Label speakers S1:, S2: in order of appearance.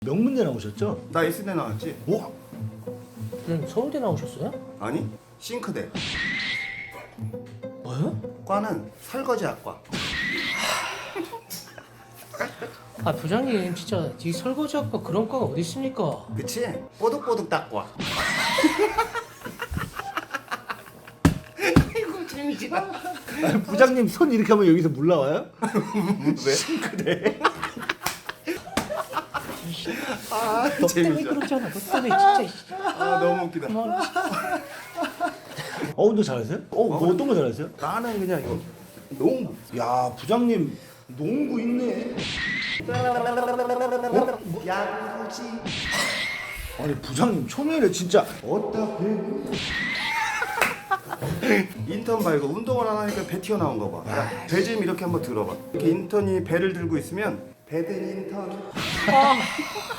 S1: 명문대 나오셨죠?
S2: 나 S대 나왔지?
S1: 오?
S3: 서울대 나오셨어요?
S2: 아니 싱크대.
S3: 뭐요?
S2: 과는 설거지학과.
S3: 아 부장님 진짜 이 설거지학과 그런 과가 어디 있습니까?
S2: 그치? 뽀득뽀득 닦과. 아이고 재미지다.
S1: 아니, 부장님 손 이렇게 하면 여기서 물 나와요?
S2: 왜? 싱크대. 아
S3: 너 때문에
S2: 재미져.
S3: 그러잖아. 너 때문에 진짜.
S2: 아 너무 웃기다.
S3: 그만.
S1: 운동 잘하세요? 뭐 어떤 거 잘하세요?
S2: 나는 그냥 이거 농구.
S1: 야 부장님 농구 있네.
S2: 야구지.
S1: 아니 부장님 초면에 진짜 어따 배구.
S2: 인턴 봐 이거 운동을 안 하니까 배 튀어나온 거 봐. 야, 배 좀 이렇게 한번 들어봐. 이렇게 인턴이 배를 들고 있으면 배든 인턴.